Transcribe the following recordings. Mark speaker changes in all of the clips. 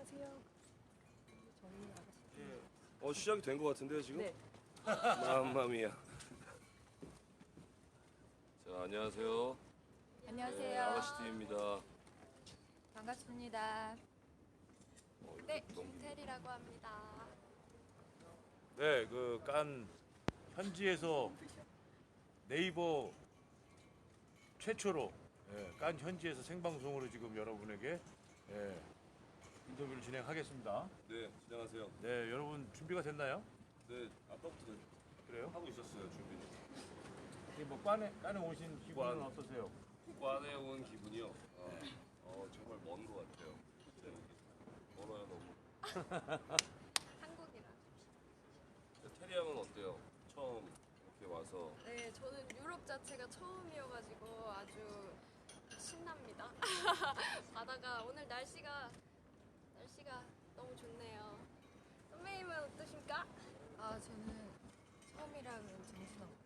Speaker 1: 안녕하세요. 저희 아가씨.
Speaker 2: 시작이 된 것 같은데요 지금?
Speaker 1: 네.
Speaker 2: 맘마미야. 자, 안녕하세요.
Speaker 3: 안녕하세요.
Speaker 2: 아가씨 팀입니다.
Speaker 3: 반갑습니다. 네,
Speaker 2: 너무
Speaker 3: 김태리라고 합니다.
Speaker 4: 네, 그 깐 현지에서 네이버 최초로 깐 현지에서 생방송으로 지금 여러분에게 인터뷰를 진행하겠습니다.
Speaker 2: 네, 진행하세요.
Speaker 4: 네, 여러분 준비가 됐나요?
Speaker 2: 네, 아까부터
Speaker 4: 그래요?
Speaker 2: 하고 있었어요 준비는.
Speaker 4: 뭐 깐에 오신 기분은
Speaker 2: 관.
Speaker 4: 어떠세요?
Speaker 2: 관에 온 기분이요. 정말 먼 것 같아요. 진짜 여기 멀어요 너무.
Speaker 3: 한국이라.
Speaker 2: 테리 양은 어때요? 처음 이렇게 와서.
Speaker 3: 네, 저는 유럽 자체가 처음이어가지고 아주 신납니다. 바다가 오늘 날씨가 너무 좋네요. 선배님은 어떠십니까?
Speaker 1: 저는 처음이라 그런 정신없고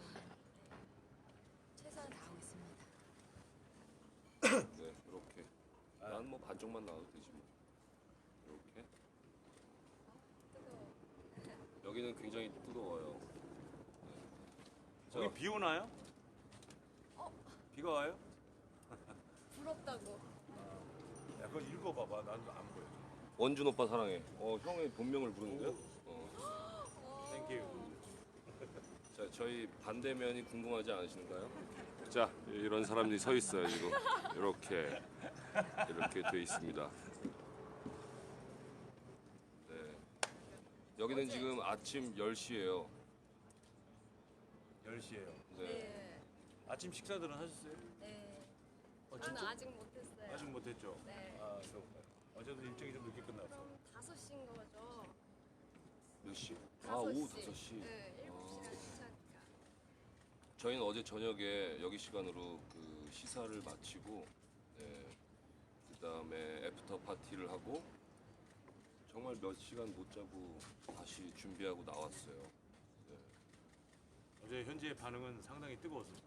Speaker 1: 최선을 다하고 있습니다.
Speaker 2: 네, 이렇게. 난 뭐 반쪽만 나와도 되지 뭐. 이렇게.
Speaker 3: 뜨거워.
Speaker 2: 여기는 굉장히 뜨거워요. 네.
Speaker 4: 여기 비 오나요?
Speaker 2: 비가 와요?
Speaker 3: 부럽다고.
Speaker 4: 야, 그거 읽어봐봐. 난 안 보여.
Speaker 2: 원준 오빠 사랑해. 형의 본명을 부르는데요?
Speaker 4: 땡큐.
Speaker 2: 자, 저희 반대면이 궁금하지 않으신가요? 자, 이런 사람들이 서 있어요 지금. 이렇게 돼 있습니다. 네. 여기는 지금 아침 10시예요.
Speaker 4: 10시에요.
Speaker 2: 네.
Speaker 3: 네.
Speaker 4: 아침 식사들은 하셨어요?
Speaker 3: 네. 저는
Speaker 4: 진짜?
Speaker 3: 아직 못했어요.
Speaker 4: 아직 못했죠?
Speaker 3: 네.
Speaker 4: 그럼 어제도 일정이 좀 늦게 끝났어.
Speaker 3: 그럼 5시인 거죠?
Speaker 2: 몇 시?
Speaker 3: 5시.
Speaker 2: 오후 5시.
Speaker 3: 네, 7시간 시작이니까.
Speaker 2: 저희는 어제 저녁에 여기 시간으로 그 시사를 마치고, 그다음에 애프터 파티를 하고 정말 몇 시간 못 자고 다시 준비하고 나왔어요.
Speaker 4: 어제 현지의 반응은 상당히 뜨거웠습니다.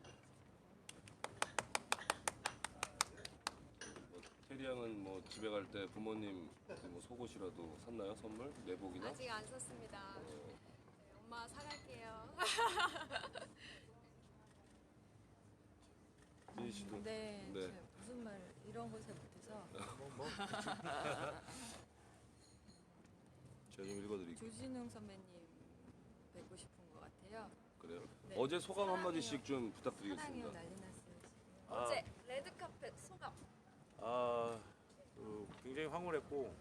Speaker 2: 테리 양은 뭐 집에 갈 때 부모님 뭐 속옷이라도 샀나요? 선물? 내복이나?
Speaker 3: 아직 안 썼습니다. 네, 엄마 사갈게요.
Speaker 2: 민희 씨도.
Speaker 1: 네,
Speaker 2: 네.
Speaker 1: 제가 무슨 말 이런 걸 잘 못해서
Speaker 2: 제가 좀 읽어드릴게요.
Speaker 1: 조진웅 선배님 뵙고 싶은 것 같아요.
Speaker 2: 그래요?
Speaker 1: 네.
Speaker 2: 어제 소감
Speaker 3: 사랑해요.
Speaker 2: 한마디씩 좀
Speaker 1: 사랑해요,
Speaker 2: 부탁드리겠습니다.
Speaker 1: 난리 났어요 지금.
Speaker 3: 어제 레드카펫 소감.
Speaker 4: 굉장히 황홀했고,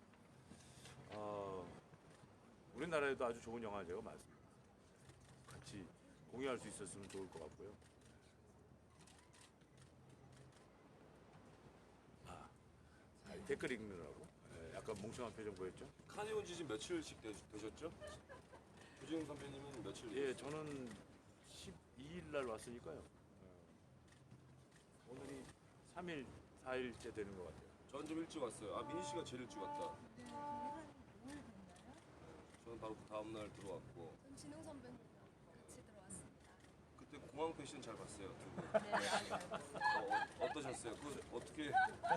Speaker 4: 우리나라에도 아주 좋은 영화제가 많습니다. 같이 공유할 수 있었으면 좋을 것 같고요. 댓글 읽느라고 약간 멍청한 표정 보였죠?
Speaker 2: 칸에 온 지 지금 며칠씩 되셨죠? 조지웅 선배님은 며칠
Speaker 4: 예,
Speaker 2: 되셨어요?
Speaker 4: 저는 12일 날 왔으니까요. 오늘이 3일, 4일째 되는 것 같아요.
Speaker 2: 전 좀 일찍 왔어요. 민희 씨가 제일 일찍 왔다. 저는 바로 그 다음 날 들어왔고
Speaker 3: 전 진웅 선배님 같이 들어왔습니다.
Speaker 2: 그때 공항 패션 잘 봤어요. 두 분.
Speaker 3: 네, 맞아요.
Speaker 2: 어떠셨어요? 그 어떻게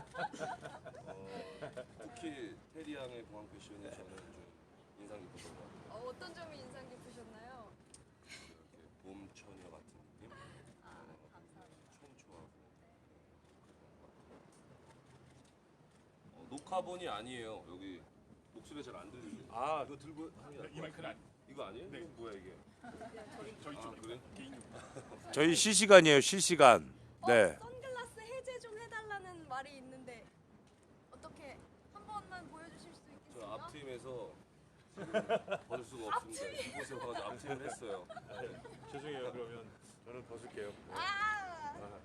Speaker 2: 특히 테리 양의 공항 패션이 저는 좀 인상 깊었던 것 같아요.
Speaker 3: 어떤 점이 인상 깊으셨나요?
Speaker 2: 이렇게 봄 처녀 같은 느낌?
Speaker 3: 감사합니다.
Speaker 2: 청초하고 녹화본이 아니에요. 여기 목소리 잘 안 들리죠? 이거 들고 하는 게
Speaker 4: 이 마이크는 아니.
Speaker 2: 이거 아니에요? 이거 뭐야 이게? 그래?
Speaker 4: 저희 실시간이에요, 실시간. 네.
Speaker 3: 선글라스 해제 좀 해달라는 말이 있는데 어떻게 한 번만 보여주실 수
Speaker 2: 저
Speaker 3: 있겠어요?
Speaker 2: 앞팀에서 지금 벗을 수가 없습니다. 이곳에 와서 앞팀을 했어요.
Speaker 4: 죄송해요. 그러면 저는 벗을게요.
Speaker 3: 아,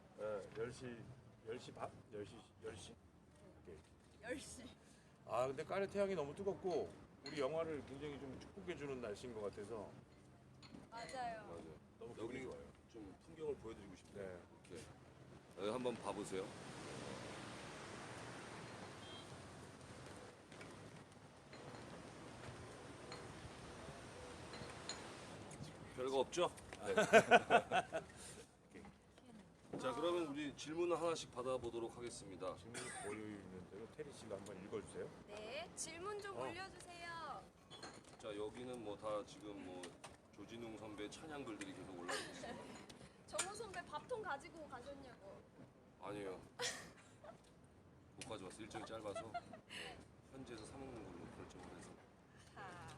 Speaker 4: 10시 반? 10시?
Speaker 3: 10시.
Speaker 4: 근데 깐의 태양이 너무 뜨겁고 우리 영화를 굉장히 좀 축복해주는 날씨인 것 같아서
Speaker 3: 맞아요.
Speaker 2: 맞아요.
Speaker 4: 너무
Speaker 2: 여기
Speaker 4: 기분이 좋아요.
Speaker 2: 좀 풍경을 보여드리고 싶네요.
Speaker 4: 네.
Speaker 2: 이렇게 여기 한번 봐보세요. 별거 없죠? 네. 자, 그러면 우리 질문을 하나씩 받아보도록 하겠습니다.
Speaker 4: 질문이 보여 있는데요. 테리 씨가 한번 읽어주세요.
Speaker 3: 네, 질문 좀 올려주세요.
Speaker 2: 자, 여기는 뭐 다 지금 뭐 조진웅 선배 찬양 글들이 계속 올라오고 있습니다.
Speaker 3: 정우 선배 밥통 가지고 가셨냐고.
Speaker 2: 아니에요. 못 가져왔어. 일정이 짧아서 현지에서 사 먹는 걸로 결정을 해서.
Speaker 3: 하.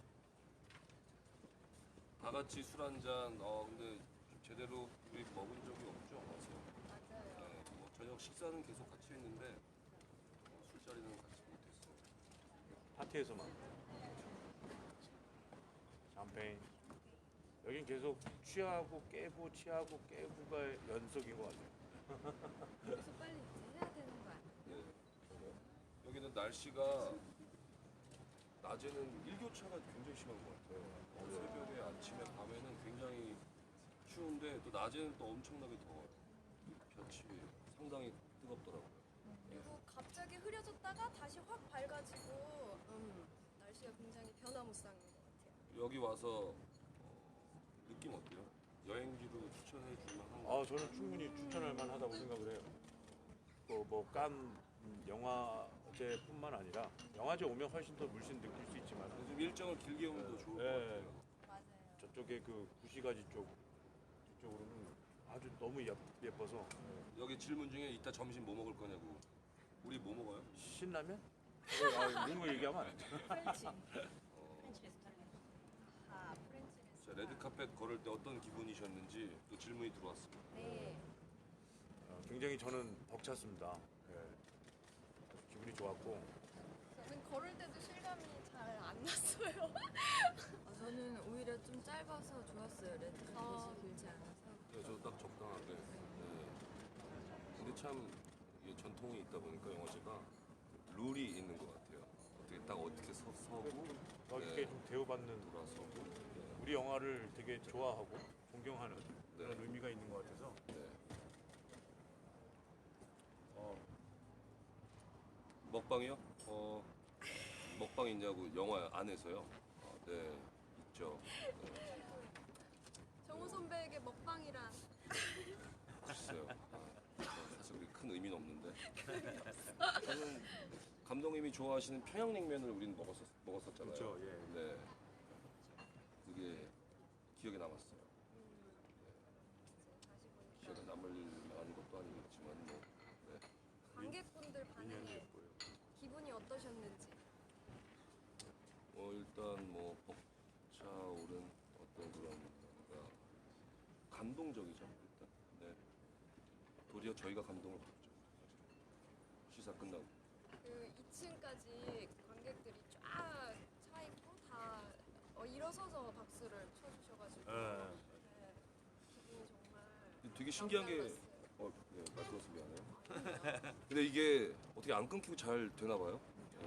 Speaker 2: 다 같이 술 한 잔. 근데 좀 제대로 우리 먹은 적이 없죠.
Speaker 3: 맞아요.
Speaker 2: 네, 뭐 저녁 식사는 계속 같이 했는데 술자리는 같이 못했어요.
Speaker 4: 파티에서만. 샴페인. 여긴 계속 취하고 깨고 취하고 깨고가 연속인 것 같아요.
Speaker 1: 그래서 빨리 이제 해야 되는 거 아니야?
Speaker 2: 네. 여기는 날씨가 낮에는 일교차가 굉장히 심한 것 같아요. 새벽에, 아침에, 밤에는 굉장히 추운데 또 낮에는 또 엄청나게 더워요. 볕이 상당히 뜨겁더라고요.
Speaker 3: 그리고 갑자기 흐려졌다가 다시 확 밝아지고 날씨가 굉장히 변화무쌍인 것 같아요.
Speaker 2: 여기 와서 느낌 어때요? 여행지로 추천해 줄 만한 거?
Speaker 4: 저는 충분히 추천할 만하다고 생각을 해요. 뭐깐 영화제뿐만 아니라 영화제 오면 훨씬 더 물씬 느낄 수 있지만
Speaker 2: 좀 일정을 길게 오면 더 좋을 것
Speaker 4: 네.
Speaker 2: 같아요.
Speaker 3: 맞아요.
Speaker 4: 저쪽에 그 구시가지 쪽으로는 아주 너무 예뻐서
Speaker 2: 여기 질문 중에 이따 점심 뭐 먹을 거냐고. 우리 뭐 먹어요?
Speaker 4: 신라면? 이런 거 얘기하면 안 돼.
Speaker 3: 프렌치.
Speaker 2: 어,
Speaker 3: 아, 프렌치
Speaker 2: 자,
Speaker 3: 레스토랑.
Speaker 2: 레드카펫 걸을 때 어떤 기분이셨는지 또 질문이 들어왔습니다.
Speaker 3: 네.
Speaker 4: 굉장히 저는 벅찼습니다. 아주 기분이 좋았고
Speaker 3: 저는 걸을 때도 실감이 잘 안 났어요.
Speaker 1: 저는 오히려 좀 짧아서 좋았어요. 레드카펫이 길지 않아서.
Speaker 2: 네, 저 딱 적당하게. 네. 근데 참 이게 전통이 있다 보니까 영화제가 룰이 있는 것 같아요. 어떻게 서고
Speaker 4: 막 이렇게
Speaker 2: 네.
Speaker 4: 좀 대우받는
Speaker 2: 돌아서고. 네.
Speaker 4: 우리 영화를 되게 좋아하고 존경하는 그런
Speaker 2: 네.
Speaker 4: 의미가 있는 것 같아서
Speaker 2: 네. 먹방이요? 먹방 있냐고 영화 안에서요? 네, 있죠. 네,
Speaker 3: 정우 선배에게 먹방이란
Speaker 2: 글쎄요. 사실 그렇게 큰 의미는 없는데. 저는 감독님이 좋아하시는 평양냉면을 우리는 먹었었잖아요.
Speaker 4: 그렇죠, 예.
Speaker 2: 네. 그게 기억에 남았어요.
Speaker 3: 다시 보니까
Speaker 2: 기억에 남을 만한 것도 아니겠지만 뭐. 네.
Speaker 3: 관객분들 반응에
Speaker 4: 예뻐요.
Speaker 3: 기분이 어떠셨는지.
Speaker 2: 일단 뭐 벅차오른 어떤 그런 뭔가 감동적이죠. 일단. 네. 도리어 저희가 감동을 받죠. 시사 끝나고.
Speaker 3: 그 2층까지 관객들이 쫙 차 있고 다 일어서서 박수를 쳐주셔가지고
Speaker 4: 네.
Speaker 3: 네, 기분이 정말
Speaker 2: 되게 신기한 게
Speaker 3: 남달랐어요.
Speaker 2: 네, 말끊어서 미안해요. 근데 이게 어떻게 안 끊기고 잘 되나 봐요.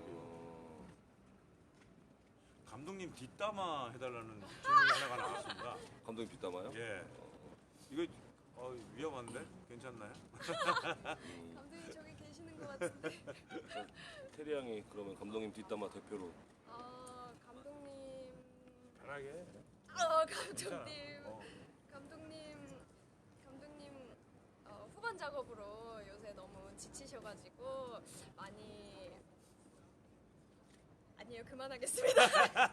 Speaker 5: 감독님 뒷담화 해달라는 질문이 하나가 나왔습니다.
Speaker 2: 감독님 뒷담화요?
Speaker 5: 예. 이거 위험한데? 괜찮나요?
Speaker 3: 감독님 저기 계시는 것 같은데.
Speaker 2: 테리 양이 그러면 감독님 뒷담화 대표로
Speaker 3: 감독님.
Speaker 4: 편하게
Speaker 3: 감독님.
Speaker 5: 어.
Speaker 3: 감독님 후반 작업으로 요새 너무 지치셔가지고 많이 아니에요 그만하겠습니다.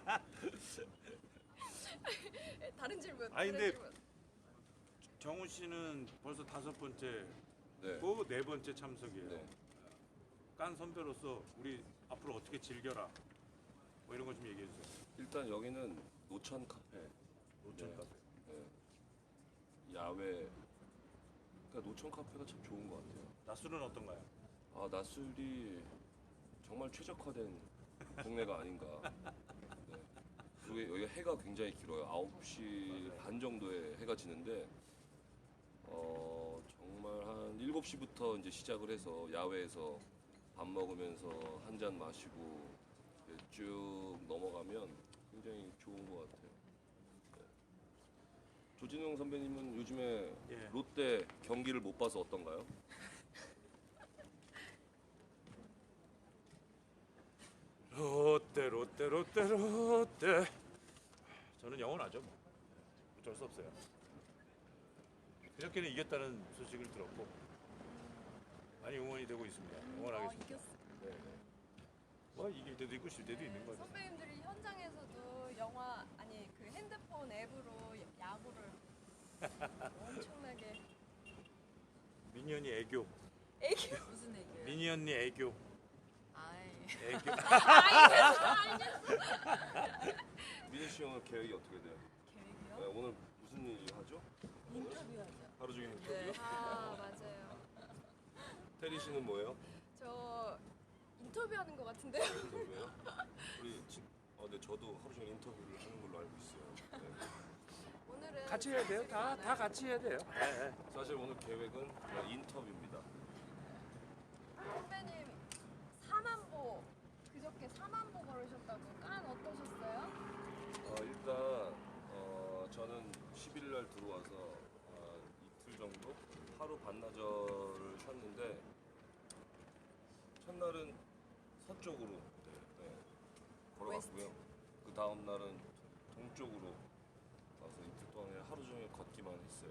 Speaker 3: 다른 질문.
Speaker 5: 아니,
Speaker 3: 다른
Speaker 5: 근데
Speaker 3: 질문.
Speaker 5: 정우 씨는 벌써 5번째고
Speaker 2: 네.
Speaker 5: 4번째 참석이에요.
Speaker 2: 네.
Speaker 5: 깐 선배로서 우리 앞으로 어떻게 즐겨라 뭐 이런 거 좀 얘기해 주세요.
Speaker 2: 일단 여기는 노천 카페,
Speaker 4: 노천
Speaker 2: 네.
Speaker 4: 카페.
Speaker 2: 야외. 그러니까 노천 카페가 참 좋은 것 같아요.
Speaker 5: 낮술은 어떤가요?
Speaker 2: 낮술이 정말 최적화된 동네가 아닌가. 네. 그리고 여기 해가 굉장히 길어요. 9시 반 정도에 해가 지는데 정말 한 7시부터 이제 시작을 해서 야외에서 밥 먹으면서 한 잔 마시고 이렇게 쭉 넘어가면 굉장히 좋은 것 같아요. 네. 조진웅 선배님은 요즘에
Speaker 5: 예.
Speaker 2: 롯데 경기를 못 봐서 어떤가요?
Speaker 4: 저는 영원하죠 뭐. 어쩔 수 없어요. 그저께는 이겼다는 소식을 들었고 많이 응원이 되고 있습니다. 응원하겠습니다.
Speaker 3: 이겼어.
Speaker 4: 네, 네. 뭐 이길 때도 있고 질 때도 있는 거죠.
Speaker 3: 선배님들이 현장에서도 영화 아니 그 핸드폰 앱으로 야구를 엄청나게
Speaker 4: 미니 언니 애교.
Speaker 1: 무슨 얘기예요?
Speaker 4: 미니 언니 애교.
Speaker 1: 아이.
Speaker 4: 애교.
Speaker 2: 민희 씨 오늘 계획이 어떻게 돼요?
Speaker 1: 계획이요?
Speaker 2: 네, 오늘 무슨 일 하죠?
Speaker 1: 인터뷰하죠.
Speaker 2: 하루 종일
Speaker 1: 네.
Speaker 2: 인터뷰요?
Speaker 3: 아 맞아요.
Speaker 2: 테리 씨는 뭐예요?
Speaker 3: 저 인터뷰하는 것 같은데요.
Speaker 2: 인터뷰예요? 네, 저도 하루 종일 인터뷰를 하는 걸로 알고 있어요. 네.
Speaker 3: 오늘은
Speaker 4: 같이 해야 돼요. 다 같이 해야 돼요. 네, 네.
Speaker 2: 사실 오늘 계획은 그냥 인터뷰입니다.
Speaker 3: 선배님 4만보 그저께 4만보 걸으셨다고 깐 어떠셨어요?
Speaker 2: 일단 저는 10일 날 들어와서 이틀 정도 하루 반나절을 쉬었는데 첫날은 서쪽으로 걸어갔고요. 그 다음 날은 동쪽으로 가서 이틀 동안에 하루 종일 걷기만 했어요.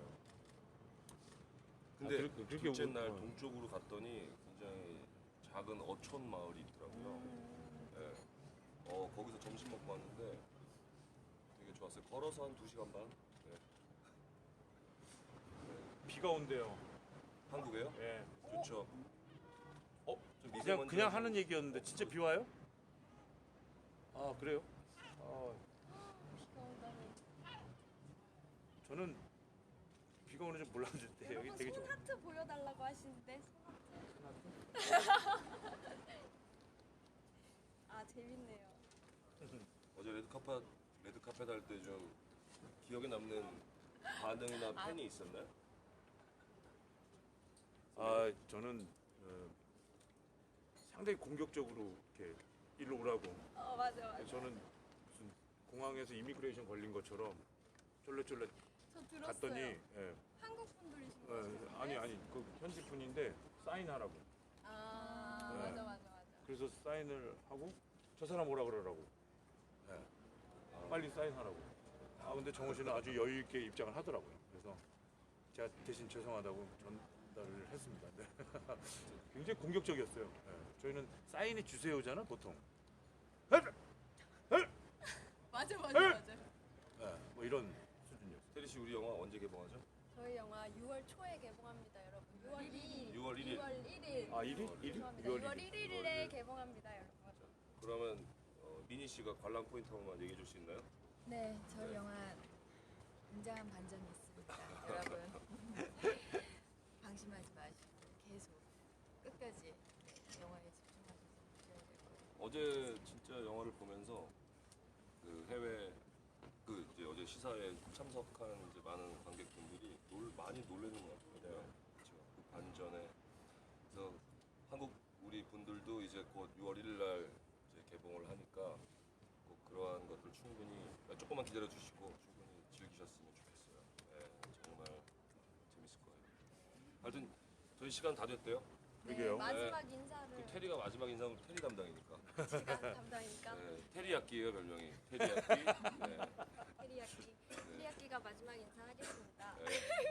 Speaker 2: 근데
Speaker 4: 그렇게
Speaker 2: 둘째 날 동쪽으로 갔더니 굉장히 작은 어촌 마을이 있더라고요. 네. 거기서 점심 먹고 왔는데 되게 좋았어요. 걸어서 한 2시간 반? 네.
Speaker 4: 비가 온대요.
Speaker 2: 한국에요?
Speaker 4: 예.
Speaker 2: 좋죠. 좀
Speaker 4: 그냥 하는 얘기였는데 진짜 비 와요? 아 그래요?
Speaker 3: 비가 온다니.
Speaker 4: 저는 비가 오는 줄 몰랐는데 여기
Speaker 3: 여러분
Speaker 4: 되게
Speaker 3: 손
Speaker 4: 좋아.
Speaker 3: 하트 보여달라고 하시는데 아 재밌네요.
Speaker 2: 어제 레드카펫 할 때 좀 기억에 남는 반응이나 팬이 있었나요?
Speaker 4: 아 저는 상당히 공격적으로 이렇게 일로 오라고.
Speaker 3: 맞아.
Speaker 4: 저는 무슨 공항에서 이미그레이션 걸린 것처럼 쫄래쫄래
Speaker 3: 저 들었어요.
Speaker 4: 갔더니 예,
Speaker 3: 한국 분들이신 거예요?
Speaker 4: 아니 그 현지 분인데 사인하라고.
Speaker 3: 아
Speaker 4: 네.
Speaker 3: 맞아.
Speaker 4: 그래서 사인을 하고 저 사람 오라 그러라고. 예. 빨리 사인하라고. 근데 정호 씨는 아주 여유 있게 입장을 하더라고요. 그래서 제가 대신 죄송하다고 전달을 했습니다. 네. 굉장히 공격적이었어요. 예. 저희는 사인해 주세요잖아 보통.
Speaker 3: 맞아.
Speaker 4: 예, 뭐 이런 수준이었어요.
Speaker 2: 테리 씨 우리 영화 언제 개봉하죠?
Speaker 3: 저희 영화 6월 초에 개봉합니다, 여러분. 6월 1일.
Speaker 2: 6월 1일.
Speaker 3: 6월 1일.
Speaker 4: 아 1일? 1일?
Speaker 3: 죄송합니다. 6월 1일에 개봉합니다, 여러분.
Speaker 2: 그러면 미니 씨가 관람 포인트 한 번만 얘기해 줄 수 있나요?
Speaker 1: 네, 저희 영화 굉장한 반전이 있습니다. 여러분 방심하지 마시고 계속 끝까지 영화에 집중하셔서 보셔야 될 거예요.
Speaker 2: 어제 진짜 영화를 보면서 그 해외 이제 어제 시사에 참석한 이제 많은 관객분들이 많이 놀라는 것 같거든요. 그렇죠. 그 반전에 그래서 한국 우리 분들도 이제 곧 6월 1일 날 이제 개봉을 하니까 꼭 그러한 것들 충분히 조금만 기다려 주시고 충분히 즐기셨으면 좋겠어요. 네, 정말 재밌을 거예요. 하여튼 저희 시간 다 됐대요.
Speaker 4: 그러게요.
Speaker 3: 마지막 인사를
Speaker 2: 그 테리가 마지막 인상은 테리 담당이니까.
Speaker 3: 제가 담당이니까
Speaker 2: 네, 테리야끼예요 별명이. 테리야끼. 네.
Speaker 3: 테리야끼가 마지막 인사하겠습니다.
Speaker 2: 네.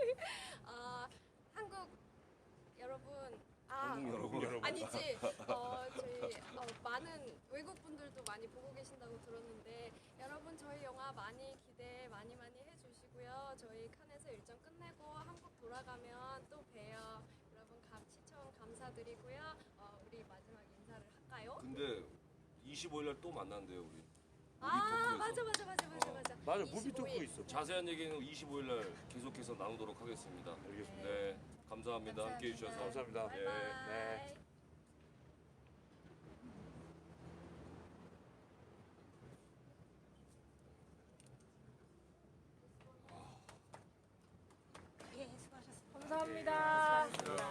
Speaker 3: 한국 여러분,
Speaker 2: 한국 여러분.
Speaker 3: 아니지. 저희 많은 외국 분들도 많이 보고 계신다고 들었는데 여러분 저희 영화 많이 기대 많이 해주시고요. 저희 칸에서 일정 끝내고 한국 돌아가면 또 봬요. 여러분 시청 감사드리고요. 우리 마지막 인사를 할까요?
Speaker 2: 근데 25일 날 또 만난대요 우리.
Speaker 3: 맞아.
Speaker 4: 맞아 무비 토크 있어.
Speaker 2: 자세한 얘기는 25일 날 계속해서 나누도록 하겠습니다.
Speaker 4: 알겠습니다.
Speaker 2: 네, 감사합니다. 함께 해주셔서.
Speaker 4: 감사합니다.
Speaker 3: 바이바이.
Speaker 4: 네.